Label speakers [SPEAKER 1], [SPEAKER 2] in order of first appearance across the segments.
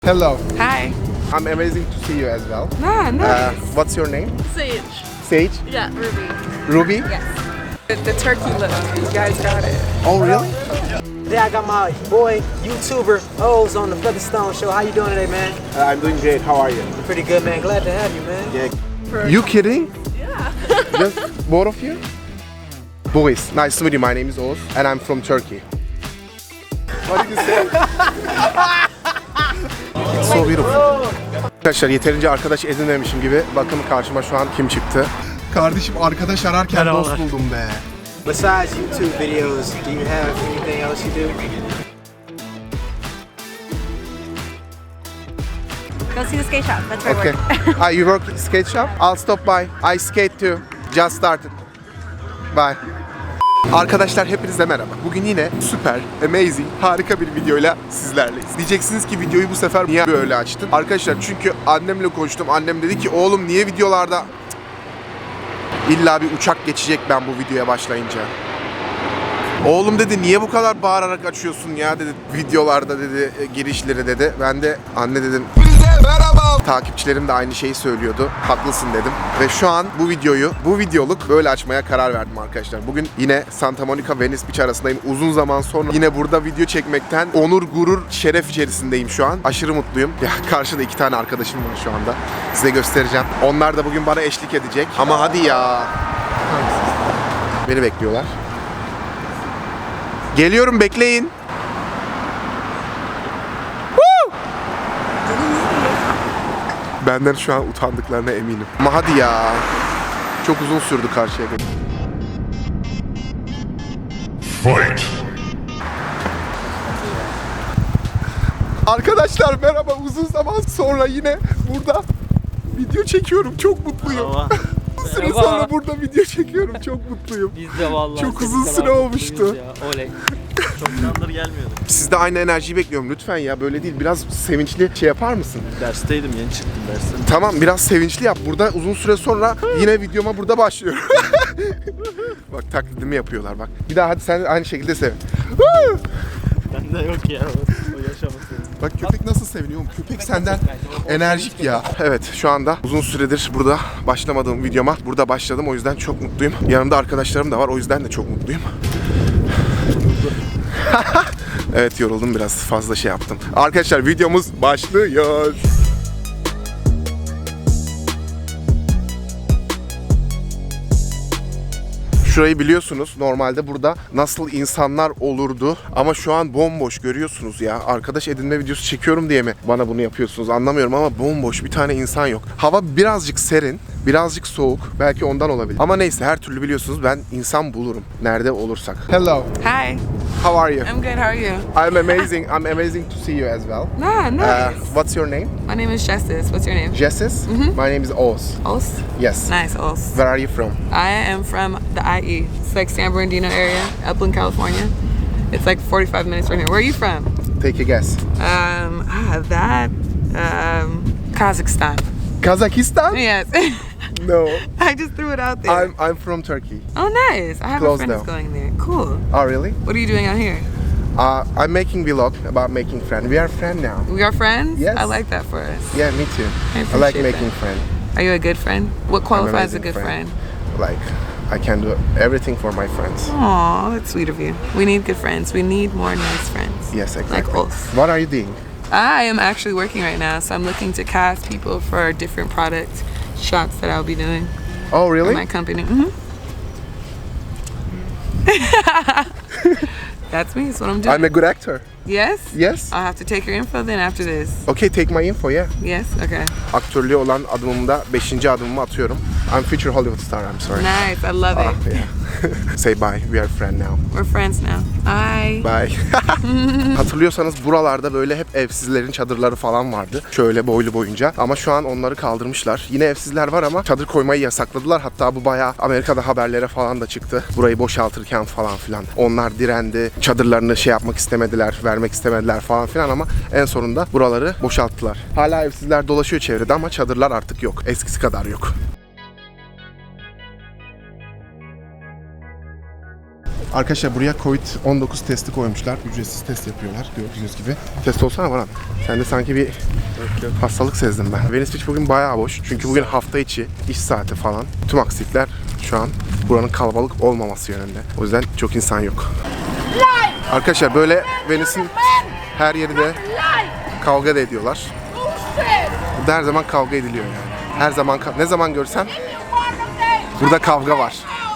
[SPEAKER 1] Hello.
[SPEAKER 2] Hi.
[SPEAKER 1] I'm amazing to see you as well.
[SPEAKER 2] Ah, nice.
[SPEAKER 1] What's your name?
[SPEAKER 3] Sage.
[SPEAKER 1] Sage?
[SPEAKER 3] Yeah, Ruby.
[SPEAKER 1] Ruby?
[SPEAKER 2] Yes. The turkey look. You guys got it.
[SPEAKER 1] Oh really?
[SPEAKER 4] Today I got my boy, YouTuber, O's on the Featherstone Show. How you doing today, man?
[SPEAKER 1] I'm doing great. How are you?
[SPEAKER 4] Pretty good, man. Glad to have you, man.
[SPEAKER 1] Yeah. You kidding?
[SPEAKER 3] Yeah.
[SPEAKER 1] Just both of you? Boys, nice to meet you. My name is Oz and I'm from Turkey. What did you say? It's so beautiful. Arkadaşlar yeterince arkadaş edinmemişim gibi. Bakın karşıma şu an kim çıktı? Kardeşim arkadaş ararken dost buldum be.
[SPEAKER 4] Besides YouTube videos, do you have anything else you do?
[SPEAKER 5] Go see the skate shop. That's where I
[SPEAKER 1] Okay.
[SPEAKER 5] work.
[SPEAKER 1] You work at skate shop? I'll stop by. I skate too. Just started. Bye. Arkadaşlar hepinize merhaba. Bugün yine süper, amazing, harika bir videoyla sizlerleyiz. Diyeceksiniz ki videoyu bu sefer niye böyle açtın? Arkadaşlar çünkü annemle konuştum. Annem dedi ki oğlum niye videolarda illa bir uçak geçecek ben bu videoya başlayınca. Oğlum dedi niye bu kadar bağırarak açıyorsun ya dedi videolarda dedi girişleri dedi. Ben de anne dedim merhaba. Takipçilerim de aynı şeyi söylüyordu. Haklısın dedim. Ve şu an bu videoluk böyle açmaya karar verdim arkadaşlar. Bugün yine Santa Monica Venice Beach arasındayım. Uzun zaman sonra yine burada video çekmekten onur, gurur, şeref içerisindeyim şu an. Aşırı mutluyum. Ya karşıda 2 tane arkadaşım var şu anda. Size göstereceğim. Onlar da bugün bana eşlik edecek. Ama hadi ya. Beni bekliyorlar. Geliyorum bekleyin. Benden şu an utandıklarına eminim. Ama hadi ya. Çok uzun sürdü karşıya gelip. Fight. Arkadaşlar merhaba. Uzun zaman sonra yine burada video çekiyorum. Çok mutluyum. Süre sonra burada video çekiyorum. Çok mutluyum.
[SPEAKER 6] Biz de vallahi.
[SPEAKER 1] Çok uzun süre olmuştu.
[SPEAKER 6] Oley. Çok zamandır gelmiyorduk.
[SPEAKER 1] Sizde aynı enerjiyi bekliyorum lütfen ya. Böyle değil. Biraz sevinçli şey yapar mısın?
[SPEAKER 6] Dersteydim, yeni çıktım dersten.
[SPEAKER 1] Tamam biraz sevinçli yap. Burada uzun süre sonra yine videoma burada başlıyorum. Bak taklidimi yapıyorlar bak. Bir daha hadi sen aynı şekilde sevin.
[SPEAKER 6] Bende yok ya o yaşaması.
[SPEAKER 1] Bak köpek nasıl seviniyor oğlum? Köpek senden enerjik ya. Evet şu anda uzun süredir burada başlamadığım videoma burada başladım. O yüzden çok mutluyum. Yanımda arkadaşlarım da var. O yüzden de çok mutluyum. Evet yoruldum biraz fazla şey yaptım. Arkadaşlar videomuz başlıyor. Şurayı biliyorsunuz normalde burada nasıl insanlar olurdu ama şu an bomboş görüyorsunuz ya. Arkadaş edinme videosu çekiyorum diye mi bana bunu yapıyorsunuz anlamıyorum ama bomboş bir tane insan yok. Hava birazcık serin, birazcık soğuk belki ondan olabilir. Ama neyse her türlü biliyorsunuz ben insan bulurum nerede olursak. Hello.
[SPEAKER 2] Hi.
[SPEAKER 1] How are you?
[SPEAKER 2] I'm good. How are you?
[SPEAKER 1] I'm amazing. I'm amazing to see you as well.
[SPEAKER 2] Ah, nice.
[SPEAKER 1] What's your name?
[SPEAKER 2] My name is Jessis. What's your name?
[SPEAKER 1] Jessis. My name is Oz.
[SPEAKER 2] Os.
[SPEAKER 1] Yes.
[SPEAKER 2] Nice, Os.
[SPEAKER 1] Where are you from?
[SPEAKER 2] I am from the IE. It's like San Bernardino area, Upland, California. It's like 45 minutes from here. Where are you from?
[SPEAKER 1] Take a guess.
[SPEAKER 2] Kazakhstan.
[SPEAKER 1] Kazakhstan?
[SPEAKER 2] Yes.
[SPEAKER 1] No.
[SPEAKER 2] I just threw it out there.
[SPEAKER 1] I'm from Turkey.
[SPEAKER 2] Oh, nice. I have
[SPEAKER 1] Close
[SPEAKER 2] a friend that's
[SPEAKER 1] now.
[SPEAKER 2] going there. Cool.
[SPEAKER 1] Oh, really?
[SPEAKER 2] What are you doing out here?
[SPEAKER 1] I'm making vlog about making friends. We are friends now.
[SPEAKER 2] We are friends?
[SPEAKER 1] Yes.
[SPEAKER 2] I like that for us.
[SPEAKER 1] Yeah, me too.
[SPEAKER 2] I
[SPEAKER 1] I like
[SPEAKER 2] appreciate
[SPEAKER 1] making
[SPEAKER 2] that.
[SPEAKER 1] friends.
[SPEAKER 2] Are you a good friend? What qualifies a
[SPEAKER 1] amazing
[SPEAKER 2] good friend?
[SPEAKER 1] Like, I can do everything for my friends.
[SPEAKER 2] Aw, that's sweet of you. We need good friends. We need more nice friends.
[SPEAKER 1] Yes, exactly.
[SPEAKER 2] Like us.
[SPEAKER 1] What are you doing?
[SPEAKER 2] I am actually working right now, so I'm looking to cast people for different product shots that I'll be doing
[SPEAKER 1] Oh,
[SPEAKER 2] in
[SPEAKER 1] really?
[SPEAKER 2] my company. That's me. That's what I'm doing.
[SPEAKER 1] I'm a good actor.
[SPEAKER 2] Yes?
[SPEAKER 1] Yes.
[SPEAKER 2] I'll have to take your info then after this.
[SPEAKER 1] Okay, take my info, yeah.
[SPEAKER 2] Yes? Okay.
[SPEAKER 1] Aktörlüğe olan adımımda 5. adımımı atıyorum. I'm future Hollywood star, I'm sorry.
[SPEAKER 2] Nice. I love
[SPEAKER 1] Ah,
[SPEAKER 2] it.
[SPEAKER 1] yeah. Say bye, we are friends now.
[SPEAKER 2] We're friends now. Bye.
[SPEAKER 1] Bye. Hatırlıyorsanız buralarda böyle hep evsizlerin çadırları falan vardı. Şöyle boylu boyunca. Ama şu an onları kaldırmışlar. Yine evsizler var ama çadır koymayı yasakladılar. Hatta bu bayağı Amerika'da haberlere falan da çıktı. Burayı boşaltırken falan filan. Onlar direndi. Çadırlarını şey yapmak istemediler, vermek istemediler falan filan ama en sonunda buraları boşalttılar. Hala evsizler dolaşıyor çevrede ama çadırlar artık yok. Eskisi kadar yok. Arkadaşlar buraya Covid-19 testi koymuşlar. Ücretsiz test yapıyorlar gördüğünüz gibi. Test olsana bana. Sen de sanki bir hastalık sezdim ben. Venice Beach bugün bayağı boş. Çünkü bugün hafta içi iş saati falan. Tüm aksilikler şu an buranın kalabalık olmaması yönünde. O yüzden çok insan yok. Arkadaşlar böyle Venice'in her yeri de kavga da ediyorlar. Burada her zaman kavga ediliyor yani. Her zaman ne zaman görsen burada kavga var.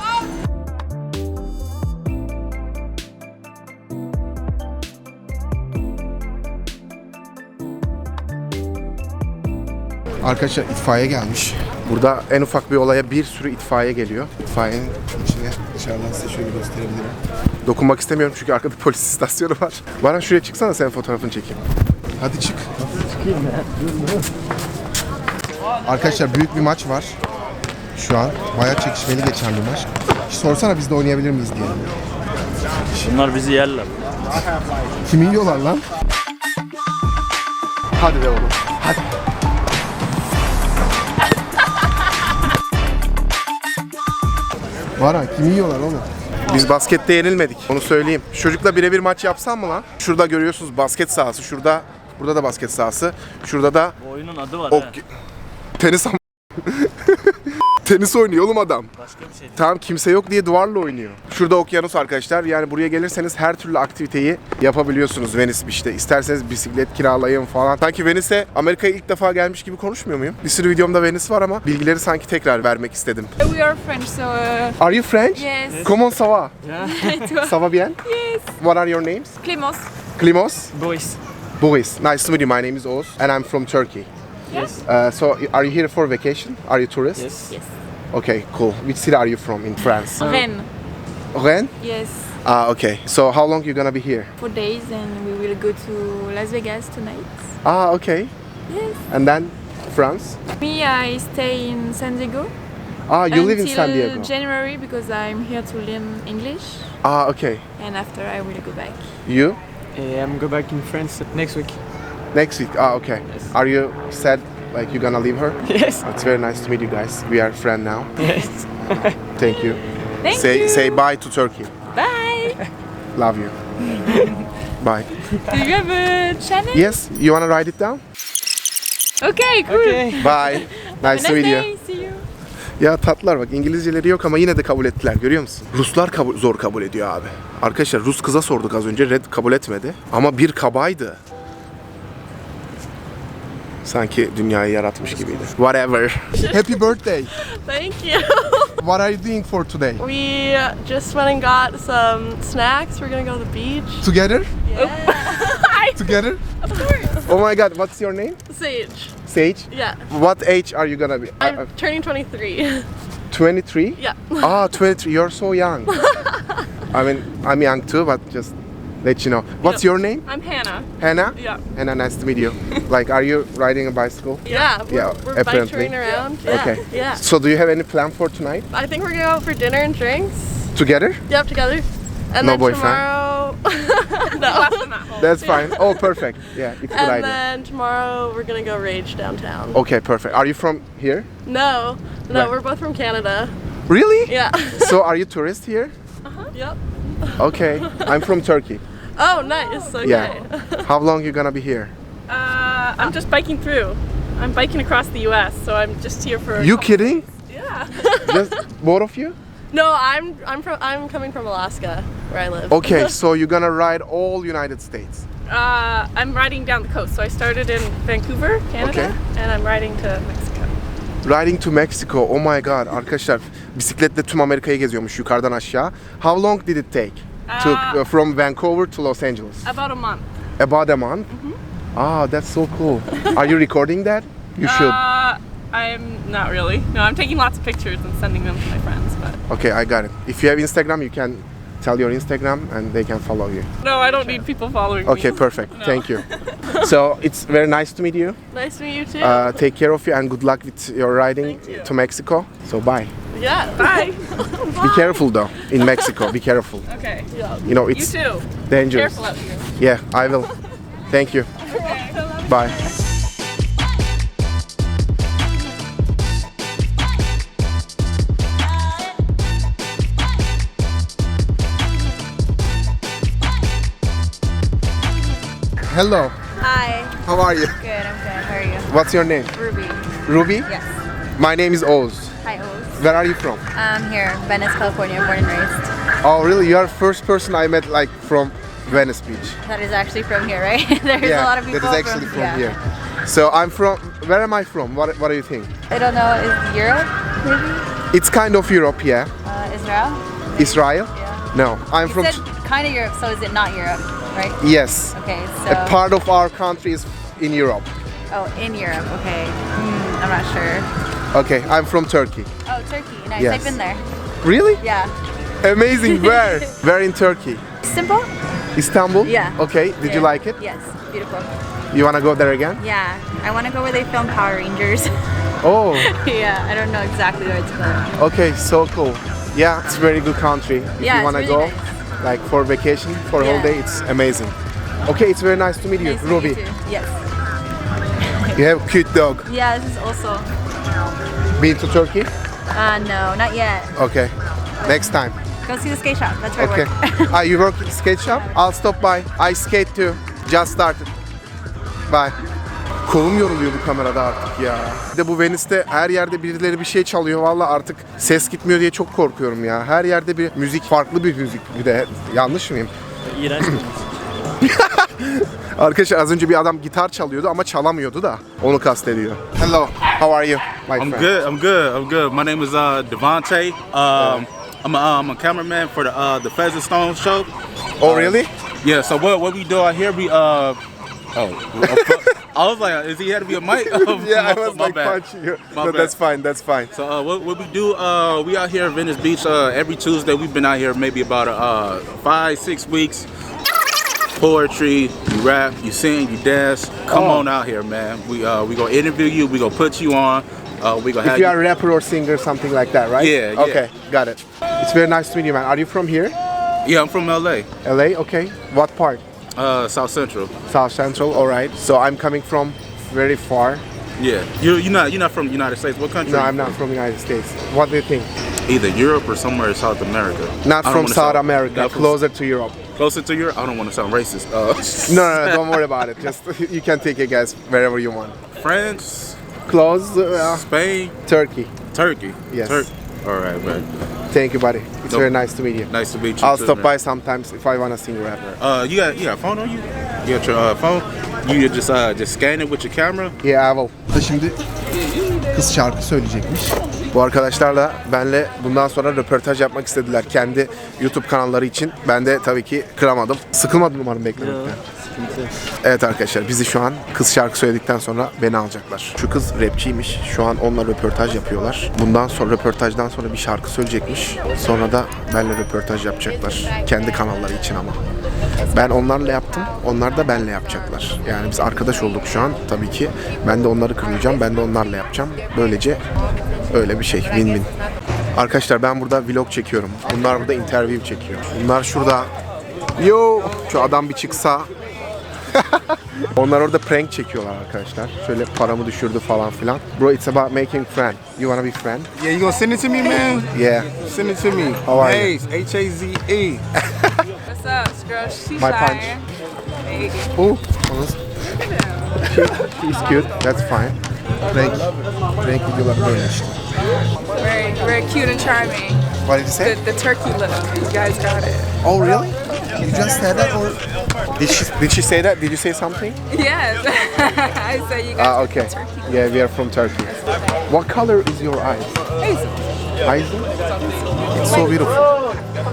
[SPEAKER 1] Arkadaşlar itfaiye gelmiş. Burada en ufak bir olaya bir sürü itfaiye geliyor. İtfaiyenin içine dışarıdan size şöyle gösterebilirim. Dokunmak istemiyorum çünkü arkada polis istasyonu var. Bana şuraya çıksana, senin fotoğrafını çekeyim. Hadi çık. Arkadaşlar büyük bir maç var. Şu an bayağı çekişmeli geçen bir maç. Hiç sorsana biz de oynayabilir miyiz diye.
[SPEAKER 6] Bunlar bizi yerler.
[SPEAKER 1] Kimi yiyorlar lan? Hadi be oğlum. Hadi. Var ha, kimi yiyorlar oğlum? Biz baskette yenilmedik. Onu söyleyeyim. Çocukla birebir maç yapsam mı lan? Şurada görüyorsunuz basket sahası. Şurada, burada da basket sahası. Şurada da
[SPEAKER 6] Bu oyunun adı var
[SPEAKER 1] tenis tenis oynuyor oğlum adam.
[SPEAKER 6] Başka bir şey.
[SPEAKER 1] Tamam, kimse yok diye duvarla oynuyor. Şurada okyanus arkadaşlar. Yani buraya gelirseniz her türlü aktiviteyi yapabiliyorsunuz Venice Beach'te. İsterseniz bisiklet kiralayın falan. Sanki Venice'e Amerika'ya ilk defa gelmiş gibi konuşmuyor muyum? Bir sürü videomda Venice var ama bilgileri sanki tekrar vermek istedim.
[SPEAKER 2] We are French, so
[SPEAKER 1] Are you French?
[SPEAKER 2] yes.
[SPEAKER 1] Comment ça va?
[SPEAKER 2] Toi?
[SPEAKER 1] Ça va bien?
[SPEAKER 2] Yes.
[SPEAKER 1] What are your names?
[SPEAKER 2] Clémence.
[SPEAKER 1] Klimos?
[SPEAKER 6] Boys.
[SPEAKER 1] Boris. Nice to meet you. My name is Oğuz and I'm from Turkey.
[SPEAKER 6] Yes.
[SPEAKER 1] So are you here for vacation? Are you tourist?
[SPEAKER 6] Yes.
[SPEAKER 2] Yes.
[SPEAKER 1] Okay, cool. Which city are you from in France?
[SPEAKER 2] Rennes.
[SPEAKER 1] Rennes?
[SPEAKER 2] Yes.
[SPEAKER 1] Ah, okay. So how long you gonna be here?
[SPEAKER 2] 4 days, and we will go to Las Vegas tonight.
[SPEAKER 1] Ah, okay.
[SPEAKER 2] Yes.
[SPEAKER 1] And then France?
[SPEAKER 2] Me, I stay in San Diego.
[SPEAKER 1] Ah, you live in
[SPEAKER 2] until
[SPEAKER 1] San Diego.
[SPEAKER 2] January because I'm here to learn English,
[SPEAKER 1] Ah, okay.
[SPEAKER 2] and after I will go back.
[SPEAKER 1] You?
[SPEAKER 3] I'm go back in France next week.
[SPEAKER 1] Next week. Ah, okay.
[SPEAKER 3] Yes.
[SPEAKER 1] Are you sad like you're gonna leave her?
[SPEAKER 3] Yes.
[SPEAKER 1] It's very nice to meet you guys. We are friends now.
[SPEAKER 3] Yes.
[SPEAKER 1] Thank you.
[SPEAKER 2] Thank
[SPEAKER 1] say
[SPEAKER 2] you.
[SPEAKER 1] say bye to Turkey.
[SPEAKER 2] Bye.
[SPEAKER 1] Love you. Bye.
[SPEAKER 2] Do you have a channel?
[SPEAKER 1] Yes, you wanna write it down?
[SPEAKER 2] Okay, cool.
[SPEAKER 3] Okay.
[SPEAKER 1] Bye.
[SPEAKER 2] Have
[SPEAKER 1] Nice
[SPEAKER 2] a
[SPEAKER 1] to meet you.
[SPEAKER 2] day. See you.
[SPEAKER 1] Ya tatlılar bak, İngilizceleri yok ama yine de kabul ettiler, görüyor musun? Ruslar zor kabul ediyor abi. Arkadaşlar Rus kıza sorduk az önce, red kabul etmedi. Ama bir kabaydı. Sanki dünyayı yaratmış gibiydi. Whatever. Happy birthday.
[SPEAKER 7] Thank you.
[SPEAKER 1] What are you doing for today?
[SPEAKER 7] We just went and got some snacks. We're gonna go to the beach.
[SPEAKER 1] Together? Together?
[SPEAKER 7] Of course.
[SPEAKER 1] Oh my god, what's your name?
[SPEAKER 7] Sage.
[SPEAKER 1] Sage?
[SPEAKER 7] Yeah.
[SPEAKER 1] What age are you gonna be?
[SPEAKER 7] I'm turning 23.
[SPEAKER 1] 23?
[SPEAKER 7] Yeah.
[SPEAKER 1] Ah, 23. You're so young. I mean, I'm young too, but just let you know. What's your name?
[SPEAKER 7] I'm Hannah.
[SPEAKER 1] Hannah?
[SPEAKER 7] Yeah.
[SPEAKER 1] Hannah, nice to meet you. Like, are you riding a bicycle?
[SPEAKER 7] Yeah.
[SPEAKER 1] Yeah,
[SPEAKER 7] We're bike
[SPEAKER 1] apparently.
[SPEAKER 7] touring around. Yeah.
[SPEAKER 1] Okay.
[SPEAKER 7] Yeah.
[SPEAKER 1] So do you have any plan for tonight?
[SPEAKER 7] I think we're gonna go out for dinner and drinks.
[SPEAKER 1] Together?
[SPEAKER 7] Yep, together. And
[SPEAKER 1] No
[SPEAKER 7] then
[SPEAKER 1] boyfriend?
[SPEAKER 7] tomorrow. No.
[SPEAKER 1] That's fine. Oh, perfect. Yeah, it's a good
[SPEAKER 7] And
[SPEAKER 1] idea.
[SPEAKER 7] then tomorrow we're gonna go rage downtown.
[SPEAKER 1] Okay, perfect. Are you from here?
[SPEAKER 7] No,
[SPEAKER 1] Right.
[SPEAKER 7] we're both from Canada.
[SPEAKER 1] Really?
[SPEAKER 7] Yeah.
[SPEAKER 1] So are you tourist here?
[SPEAKER 7] Yep.
[SPEAKER 1] Okay. I'm from Turkey.
[SPEAKER 7] Oh, nice. Okay.
[SPEAKER 1] Yeah. How long you gonna be here?
[SPEAKER 8] I'm just biking through. I'm biking across the U.S., so I'm just here for.
[SPEAKER 1] You kidding?
[SPEAKER 8] Yeah.
[SPEAKER 1] Just both of you?
[SPEAKER 7] No, I'm coming from Alaska, where I live.
[SPEAKER 1] Okay, so you're gonna ride all United States.
[SPEAKER 8] I'm riding down the coast, so I started in Vancouver, Canada,
[SPEAKER 1] Okay.
[SPEAKER 8] and I'm riding to Mexico.
[SPEAKER 1] Riding to Mexico. Oh my god. Arkadaşlar bisikletle tüm Amerika'yı geziyormuş yukarıdan aşağı. How long did it take? From Vancouver to Los Angeles?
[SPEAKER 8] About a month.
[SPEAKER 1] About a month? Ah, that's so cool. Are you recording that? You should.
[SPEAKER 8] I'm not really. No, I'm taking lots of pictures and sending them to my friends, but.
[SPEAKER 1] Okay, I got it. If you have Instagram, you can tell your Instagram and they can follow you.
[SPEAKER 8] No, I don't need people following
[SPEAKER 1] Okay,
[SPEAKER 8] me.
[SPEAKER 1] perfect.
[SPEAKER 8] No.
[SPEAKER 1] Thank you. So it's very nice to meet you.
[SPEAKER 7] Nice to meet you too.
[SPEAKER 1] Take care of you and good luck with your riding
[SPEAKER 7] Thank you.
[SPEAKER 1] to Mexico. So bye.
[SPEAKER 7] Yeah.
[SPEAKER 8] Bye.
[SPEAKER 1] Be careful though in Mexico. Be careful.
[SPEAKER 8] Okay.
[SPEAKER 1] You know
[SPEAKER 8] You
[SPEAKER 1] it's
[SPEAKER 8] too.
[SPEAKER 1] dangerous.
[SPEAKER 8] Careful out here.
[SPEAKER 1] Yeah, I will. Thank you. Bye. Hello.
[SPEAKER 5] Hi.
[SPEAKER 1] How are you?
[SPEAKER 5] Good, I'm good. How are you?
[SPEAKER 1] What's your name?
[SPEAKER 5] Ruby.
[SPEAKER 1] Ruby?
[SPEAKER 5] Yes.
[SPEAKER 1] My name is Oğuz.
[SPEAKER 5] Hi, Oz.
[SPEAKER 1] Where are you from?
[SPEAKER 5] I'm here, Venice, California, born and raised.
[SPEAKER 1] Oh, really? You are first person I met like from Venice Beach.
[SPEAKER 5] That is actually from here, right? There's a lot of people
[SPEAKER 1] that is actually from
[SPEAKER 5] yeah.
[SPEAKER 1] here. So I'm from. Where am I from? What do you think?
[SPEAKER 5] I don't know, is Europe, maybe?
[SPEAKER 1] It's kind of Europe, yeah.
[SPEAKER 5] Israel?
[SPEAKER 1] Israel?
[SPEAKER 5] Yeah.
[SPEAKER 1] No, I'm
[SPEAKER 5] You
[SPEAKER 1] from.
[SPEAKER 5] said kind of Europe, so is it not Europe, right?
[SPEAKER 1] Yes.
[SPEAKER 5] Okay, so...
[SPEAKER 1] A part of our country is in Europe.
[SPEAKER 5] Oh, in Europe, okay. I'm not sure.
[SPEAKER 1] Okay, I'm from Turkey.
[SPEAKER 5] Oh, Turkey, nice.
[SPEAKER 1] Yes.
[SPEAKER 5] I've been there.
[SPEAKER 1] Really?
[SPEAKER 5] Yeah.
[SPEAKER 1] Amazing. Where? Where in Turkey?
[SPEAKER 5] Simple?
[SPEAKER 1] Istanbul?
[SPEAKER 5] Yeah.
[SPEAKER 1] Okay. Did you
[SPEAKER 5] Yeah.
[SPEAKER 1] like it?
[SPEAKER 5] Yes, beautiful.
[SPEAKER 1] You wanna go there again?
[SPEAKER 5] Yeah, I want to go where they film Power Rangers.
[SPEAKER 1] Oh.
[SPEAKER 5] Yeah, I don't know exactly where it's from.
[SPEAKER 1] Okay. So cool. Yeah, it's a very good country. If
[SPEAKER 5] Yeah,
[SPEAKER 1] you
[SPEAKER 5] it's
[SPEAKER 1] wanna
[SPEAKER 5] really
[SPEAKER 1] go,
[SPEAKER 5] nice.
[SPEAKER 1] like for vacation, for
[SPEAKER 5] Yeah.
[SPEAKER 1] holiday, it's amazing. Okay, it's very nice to meet you,
[SPEAKER 5] Nice to meet
[SPEAKER 1] Ruby.
[SPEAKER 5] you too. Yes.
[SPEAKER 1] You have a cute dog.
[SPEAKER 5] Yeah, this is also.
[SPEAKER 1] Been to Turkey?
[SPEAKER 5] No, not yet.
[SPEAKER 1] Okay. Next time.
[SPEAKER 5] Go see the skate shop. That's where
[SPEAKER 1] Okay.
[SPEAKER 5] I work.
[SPEAKER 1] You work at skate shop? I'll stop by. I skate too. Just started. Bye. Kolum yoruluyor bu kamerada artık ya. Bir de bu Venice'te her yerde birileri bir şey çalıyor. Vallahi artık ses gitmiyor diye çok korkuyorum ya. Her yerde bir müzik, farklı bir müzik. Bir de yanlış mıyım?
[SPEAKER 6] İğrenç bir müzik.
[SPEAKER 1] Arkadaşlar az önce bir adam gitar çalıyordu ama çalamıyordu da. Onu kastediyor. Hello, how are you, my
[SPEAKER 9] I'm
[SPEAKER 1] friend?
[SPEAKER 9] good. I'm good. I'm good. My name is Devontae. I'm a cameraman for the Pheasant Stone show.
[SPEAKER 1] Oh really?
[SPEAKER 9] Yeah. So what we do out here? I was like, is he had to be a mic?
[SPEAKER 1] Yeah, I was
[SPEAKER 9] My
[SPEAKER 1] like
[SPEAKER 9] bad.
[SPEAKER 1] punching you.
[SPEAKER 9] My
[SPEAKER 1] No,
[SPEAKER 9] bad.
[SPEAKER 1] that's fine, that's fine.
[SPEAKER 9] So what we do? We out here at Venice Beach every Tuesday. We've been out here maybe about 5-6 weeks. Poetry, you rap, you sing, you dance. Come on out here, man. We gonna interview you. We gonna put you on. We gonna
[SPEAKER 1] If
[SPEAKER 9] have
[SPEAKER 1] you are a rapper or singer, something like that, right?
[SPEAKER 9] Yeah, yeah.
[SPEAKER 1] Okay, got it. It's very nice to meet you, man. Are you from here?
[SPEAKER 9] Yeah, I'm from LA.
[SPEAKER 1] LA, okay. What part?
[SPEAKER 9] South Central.
[SPEAKER 1] South Central, all right. So I'm coming from very far.
[SPEAKER 9] Yeah, you're not from the United States. What country?
[SPEAKER 1] No, I'm not from the United States. What do you think?
[SPEAKER 9] Either Europe or somewhere in South America.
[SPEAKER 1] Not
[SPEAKER 9] I don't
[SPEAKER 1] from
[SPEAKER 9] wanna
[SPEAKER 1] South
[SPEAKER 9] sound-
[SPEAKER 1] America,
[SPEAKER 9] not from-
[SPEAKER 1] closer to Europe.
[SPEAKER 9] Closer to Europe. I don't want to sound racist.
[SPEAKER 1] No, don't worry about it. Just you can take a guess wherever you want.
[SPEAKER 9] France,
[SPEAKER 1] Close,
[SPEAKER 9] Spain,
[SPEAKER 1] Turkey.
[SPEAKER 9] Turkey.
[SPEAKER 1] Yes.
[SPEAKER 9] All right, man.
[SPEAKER 1] Thank you, buddy. It's
[SPEAKER 9] No.
[SPEAKER 1] very nice to meet you.
[SPEAKER 9] Nice to meet you.
[SPEAKER 1] I'll
[SPEAKER 9] too,
[SPEAKER 1] stop
[SPEAKER 9] man.
[SPEAKER 1] by sometimes if I wanna sing rap.
[SPEAKER 9] You got a phone on you? You got your phone? You just scan it with your camera.
[SPEAKER 1] Yeah, I will. Şimdi kız şarkı söyleyecekmiş. Bu arkadaşlar da benle bundan sonra röportaj yapmak istediler kendi YouTube kanalları için. Ben de tabii ki kıramadım. Sıkılmadım umarım beklemekten. Evet arkadaşlar bizi şu an kız şarkı söyledikten sonra beni alacaklar. Şu kız rapçiymiş. Şu an onunla röportaj yapıyorlar. Bundan sonra röportajdan sonra bir şarkı söyleyecekmiş. Sonra da benle röportaj yapacaklar. Kendi kanalları için ama. Ben onlarla yaptım. Onlar da benle yapacaklar. Yani biz arkadaş olduk şu an tabii ki. Ben de onları kırmayacağım. Ben de onlarla yapacağım. Böylece öyle bir şey. Win-win. Arkadaşlar ben burada vlog çekiyorum. Bunlar burada interview çekiyor. Bunlar şurada. Yo, şu adam bir çıksa. Onlar orada prank çekiyorlar arkadaşlar. Şöyle paramı düşürdü falan filan. Bro, it's about making friend. You wanna be friend?
[SPEAKER 10] Yeah, you gonna send it to me, man?
[SPEAKER 1] Yeah.
[SPEAKER 10] Send it to me.
[SPEAKER 1] How are you?
[SPEAKER 10] Hayes, H-A-Z-E.
[SPEAKER 2] What's up, girl? She's
[SPEAKER 1] My punch. Oh, he's cute. That's fine. Prank videolar böyle işte.
[SPEAKER 2] Very cute and charming.
[SPEAKER 1] What did you say?
[SPEAKER 2] The turkey look. You guys got it.
[SPEAKER 1] Oh really? You just said that or did she say that? Did you say something?
[SPEAKER 2] Yes. I said you guys
[SPEAKER 1] Ah,
[SPEAKER 2] got
[SPEAKER 1] okay.
[SPEAKER 2] the turkey.
[SPEAKER 1] Yeah, we are from Turkey. What color is your eyes?
[SPEAKER 2] Hazel.
[SPEAKER 1] Hazel? It's so beautiful.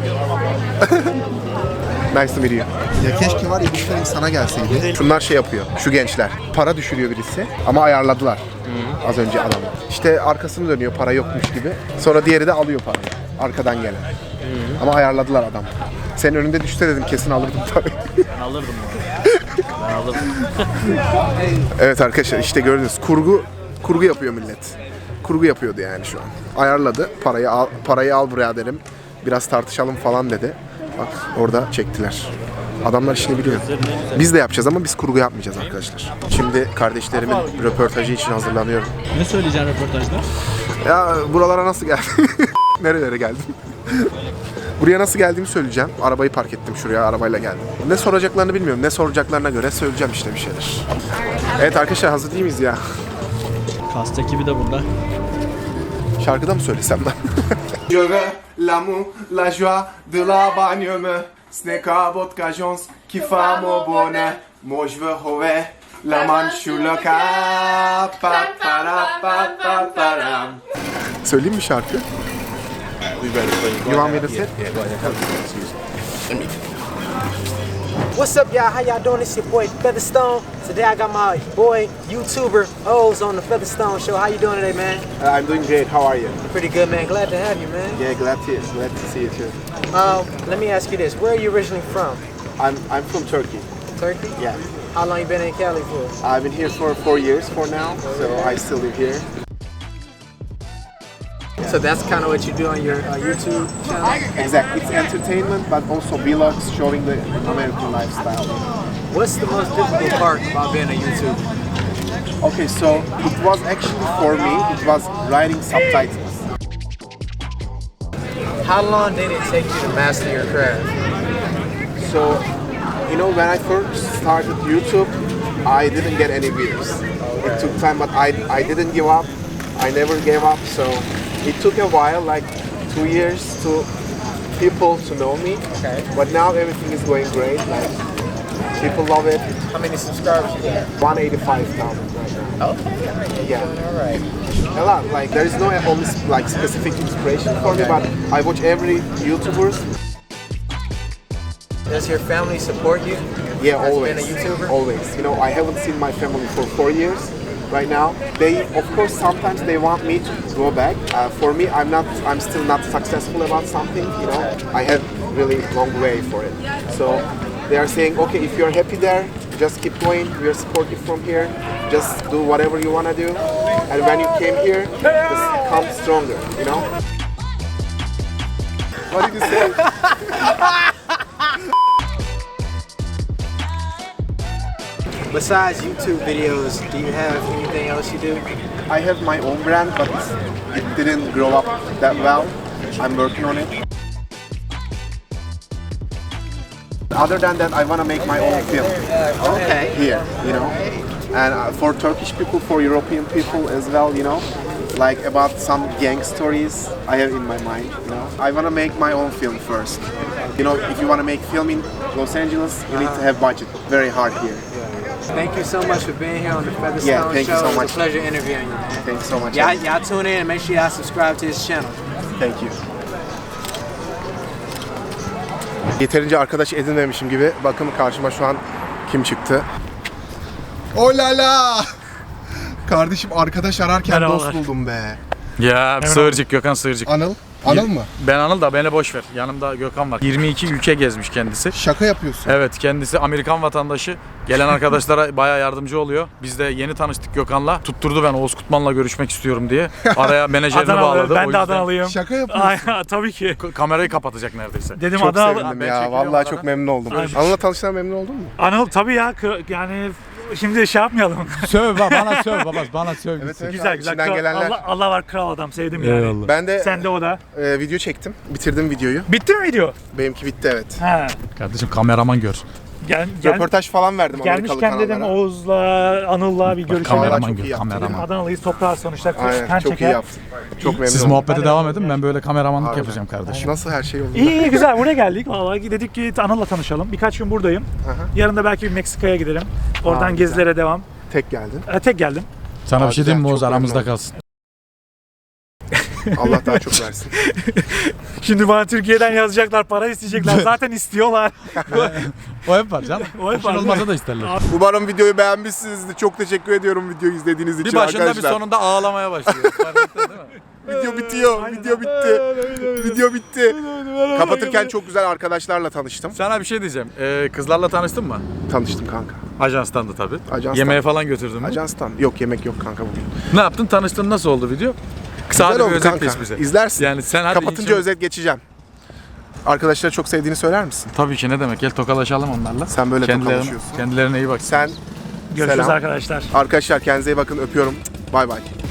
[SPEAKER 1] Nice to meet you. Ya keşke var ya bir film sana gelseydi. Şunlar şey yapıyor, şu gençler. Para düşürüyor birisi ama ayarladılar. Az önce adamı. İşte arkasını dönüyor para yokmuş gibi. Sonra diğeri de alıyor parayı. Arkadan gelen. Ama ayarladılar adam. Senin önünde düşse dedim kesin alırdım parayı.
[SPEAKER 6] Ben alırdım onu. Ben alırdım.
[SPEAKER 1] Evet arkadaşlar işte gördünüz kurgu yapıyor millet. Kurgu yapıyordu yani şu an. Ayarladı parayı al buraya dedim. Biraz tartışalım falan dedi. Bak orada çektiler. Adamlar işini biliyor. Biz de yapacağız ama biz kurgu yapmayacağız arkadaşlar. Şimdi kardeşlerimin röportajı için hazırlanıyorum.
[SPEAKER 6] Ne söyleyeceksin röportajda?
[SPEAKER 1] Ya buralara nasıl geldin? Nerelere geldin? Buraya nasıl geldiğimi söyleyeceğim. Arabayı park ettim şuraya, arabayla geldim. Ne soracaklarını bilmiyorum. Ne soracaklarına göre söyleyeceğim işte bir şeyler. Evet arkadaşlar, hazır değil miyiz ya?
[SPEAKER 6] Kast ekibi de burada.
[SPEAKER 1] Şarkıda mı söylesem ben? Je veux l'amour, la joie de la bagnole. Ce n'est qu'à votre cajons qui fait mon bonheur. Moi je veux trouver la manche sur le cap. Pa, para, pa, pa, param. Söyleyeyim mi şarkı? You want me to sit?
[SPEAKER 4] What's up, y'all? How y'all doing? It's your boy Featherstone. Today I got my boy YouTuber Oz on the Featherstone Show. How you doing today, man?
[SPEAKER 1] I'm doing great. How are you?
[SPEAKER 4] Pretty good, man. Glad to have you, man.
[SPEAKER 1] Yeah, glad to see you too.
[SPEAKER 4] Let me ask you this: where are you originally from?
[SPEAKER 1] I'm from Turkey.
[SPEAKER 4] Turkey.
[SPEAKER 1] Yeah.
[SPEAKER 4] How long you been in Cali for?
[SPEAKER 1] I've been here for 4 years for now, so I still live here.
[SPEAKER 4] So that's kind of what you do on your YouTube channel.
[SPEAKER 1] Exactly. It's entertainment, but also vlogs showing the American lifestyle.
[SPEAKER 4] What's the most difficult part about being a YouTuber?
[SPEAKER 1] Okay, so it was actually for me, it was writing subtitles.
[SPEAKER 4] How long did it take you to master your craft?
[SPEAKER 1] So, you know, when I first started YouTube, I didn't get any views. It took time, but I didn't give up. I never gave up, so it took a while, like 2 years to people to know me.
[SPEAKER 4] Okay.
[SPEAKER 1] But now everything is going great. Like people love it.
[SPEAKER 4] How many subscribers you got?
[SPEAKER 1] 185,000 right now.
[SPEAKER 4] Okay.
[SPEAKER 1] Yeah.
[SPEAKER 4] All right.
[SPEAKER 1] A lot. Like there is no only like specific inspiration for me, but I watch every YouTubers.
[SPEAKER 4] Does your family support you?
[SPEAKER 1] Yeah,
[SPEAKER 4] as
[SPEAKER 1] always.
[SPEAKER 4] being a YouTuber?
[SPEAKER 1] Always. You know, I haven't seen my family for 4 years. Right now, they of course sometimes they want me to go back. For me, I'm still not successful about something. You know, I have really long way for it. So they are saying, okay, if you're happy there, just keep going. We are supportive from here. Just do whatever you wanna do. And when you came here, just come stronger. You know. What did you say?
[SPEAKER 4] Besides YouTube videos, do you have anything else you do?
[SPEAKER 1] I have my own brand, but it didn't grow up that well. I'm working on it. Other than that, I want to make my own film.
[SPEAKER 4] Okay.
[SPEAKER 1] Here, you know, and for Turkish people, for European people as well, you know, like about some gang stories I have in my mind. You know, I want to make my own film first. You know, if you want to make film in Los Angeles, you need to have budget. Very hard here.
[SPEAKER 4] Thank you so much for being here on the Featherstone
[SPEAKER 1] Yeah, thank
[SPEAKER 4] Show.
[SPEAKER 1] you so
[SPEAKER 4] It was
[SPEAKER 1] much.
[SPEAKER 4] a pleasure interviewing you, man.
[SPEAKER 1] Thank you so much.
[SPEAKER 4] Y'all tune in and make sure y'all subscribe to his channel.
[SPEAKER 1] Thank you. Yeterince arkadaş edinmemişim gibi. Bakın karşıma şu an kim çıktı? Olala! Kardeşim arkadaş ararken dost buldum be.
[SPEAKER 11] Ya Sığırcık, Gökhan Sığırcık.
[SPEAKER 1] Anıl? Anıl mı?
[SPEAKER 11] Ben Anıl da beni boş ver. Yanımda Gökhan var. 22 ülke gezmiş kendisi.
[SPEAKER 1] Şaka yapıyorsun.
[SPEAKER 11] Evet, kendisi Amerikan vatandaşı. Gelen arkadaşlara bayağı yardımcı oluyor. Biz de yeni tanıştık Gökhan'la. Tutturdu ben Oğuz Kutman'la görüşmek istiyorum diye. Araya menajerini bağladı.
[SPEAKER 3] Ben de Adanalıyım.
[SPEAKER 1] Şaka yapıyorsun.
[SPEAKER 3] Ay, tabii ki.
[SPEAKER 11] Kamerayı kapatacak neredeyse.
[SPEAKER 3] Dedim
[SPEAKER 1] Çok
[SPEAKER 3] Adanalı.
[SPEAKER 1] sevindim
[SPEAKER 11] Ben
[SPEAKER 1] ya.
[SPEAKER 11] çekiliyorum
[SPEAKER 1] Vallahi
[SPEAKER 11] arada.
[SPEAKER 1] çok memnun oldum.
[SPEAKER 3] Aynen.
[SPEAKER 1] Anıl'la tanıştığına memnun oldun mu?
[SPEAKER 3] Anıl tabii ya, yani şimdi şey yapmayalım.
[SPEAKER 6] Söv bana söv baba, bana söv.
[SPEAKER 1] Evet, evet.
[SPEAKER 3] Güzel
[SPEAKER 1] abi,
[SPEAKER 3] güzel.
[SPEAKER 1] içinden
[SPEAKER 3] Kral-
[SPEAKER 1] gelenler.
[SPEAKER 3] Allah var, kral adam, sevdim yani.
[SPEAKER 1] Ben de
[SPEAKER 3] Sen de o da.
[SPEAKER 1] video çektim. Bitirdim videoyu.
[SPEAKER 3] Bitti mi video?
[SPEAKER 1] Benimki bitti evet.
[SPEAKER 3] Ha.
[SPEAKER 11] Kardeşim kameraman gör.
[SPEAKER 1] Röportaj falan verdim Amerikalı
[SPEAKER 3] Gelmişken dedim
[SPEAKER 1] kanallara.
[SPEAKER 3] Oğuz'la, Anıl'la bir görüşelim.
[SPEAKER 1] Kameraman
[SPEAKER 11] Kameraman
[SPEAKER 1] çok iyi
[SPEAKER 11] gör,
[SPEAKER 1] yaptı,
[SPEAKER 11] kameraman.
[SPEAKER 3] Adanalıyız, toprağa sonuçta.
[SPEAKER 1] Aynen
[SPEAKER 3] Kan
[SPEAKER 1] çok
[SPEAKER 3] çeker.
[SPEAKER 1] iyi yaptın. Çok memnun
[SPEAKER 11] Siz
[SPEAKER 1] oldum.
[SPEAKER 11] muhabbete devam edin. Ben böyle kameramanlık
[SPEAKER 1] Harbiden.
[SPEAKER 11] yapacağım kardeşim.
[SPEAKER 1] Nasıl her şey yolunda?
[SPEAKER 3] İyi güzel, buraya geldik. Vallahi dedik ki Anıl'la tanışalım. Birkaç gün buradayım. Yarın da belki bir Meksika'ya gidelim. Oradan
[SPEAKER 1] güzel.
[SPEAKER 3] gezilere devam.
[SPEAKER 1] Tek geldin.
[SPEAKER 3] Tek geldim.
[SPEAKER 11] Sana bir şey diyeyim mi
[SPEAKER 1] Çok
[SPEAKER 11] Oğuz? Aramızda
[SPEAKER 1] memnun
[SPEAKER 11] kalsın.
[SPEAKER 1] Allah daha çok versin.
[SPEAKER 3] Şimdi bana Türkiye'den yazacaklar, para isteyecekler. Zaten istiyorlar.
[SPEAKER 11] O hep var canım.
[SPEAKER 3] O hep var.
[SPEAKER 11] Olmasa da isterler.
[SPEAKER 1] Umarım videoyu beğenmişsinizdir. Çok teşekkür ediyorum videoyu izlediğiniz için
[SPEAKER 11] Bir başında
[SPEAKER 1] arkadaşlar.
[SPEAKER 11] bir sonunda ağlamaya başlıyor. Fark ettin değil mi?
[SPEAKER 1] Video bitiyor. Video bitti. Video bitti. Kapatırken çok güzel arkadaşlarla tanıştım.
[SPEAKER 11] Sana bir şey diyeceğim. Kızlarla tanıştın mı?
[SPEAKER 1] Tanıştım kanka.
[SPEAKER 11] Ajanstan da tabii.
[SPEAKER 1] Ajanstan.
[SPEAKER 11] Yemeğe falan götürdün mü?
[SPEAKER 1] Ajanstan. Yok yemek yok kanka bugün.
[SPEAKER 11] Ne yaptın? Tanıştın, nasıl oldu video? Kısa
[SPEAKER 1] Güzel
[SPEAKER 11] bir
[SPEAKER 1] oldu
[SPEAKER 11] özet
[SPEAKER 1] kanka.
[SPEAKER 11] geç bize.
[SPEAKER 1] İzlersin.
[SPEAKER 11] Yani sen hadi
[SPEAKER 1] Kapatınca
[SPEAKER 11] inşallah-
[SPEAKER 1] özet geçeceğim. Arkadaşlara çok sevdiğini söyler misin?
[SPEAKER 11] Tabii ki, ne demek? Gel tokalaşalım onlarla.
[SPEAKER 1] Sen böyle tokalaşıyorsun.
[SPEAKER 11] Kendilerine iyi bak.
[SPEAKER 1] Sen
[SPEAKER 3] Görüşürüz
[SPEAKER 1] selam.
[SPEAKER 3] arkadaşlar.
[SPEAKER 1] Arkadaşlar kendinize iyi bakın. Öpüyorum. Bay bay.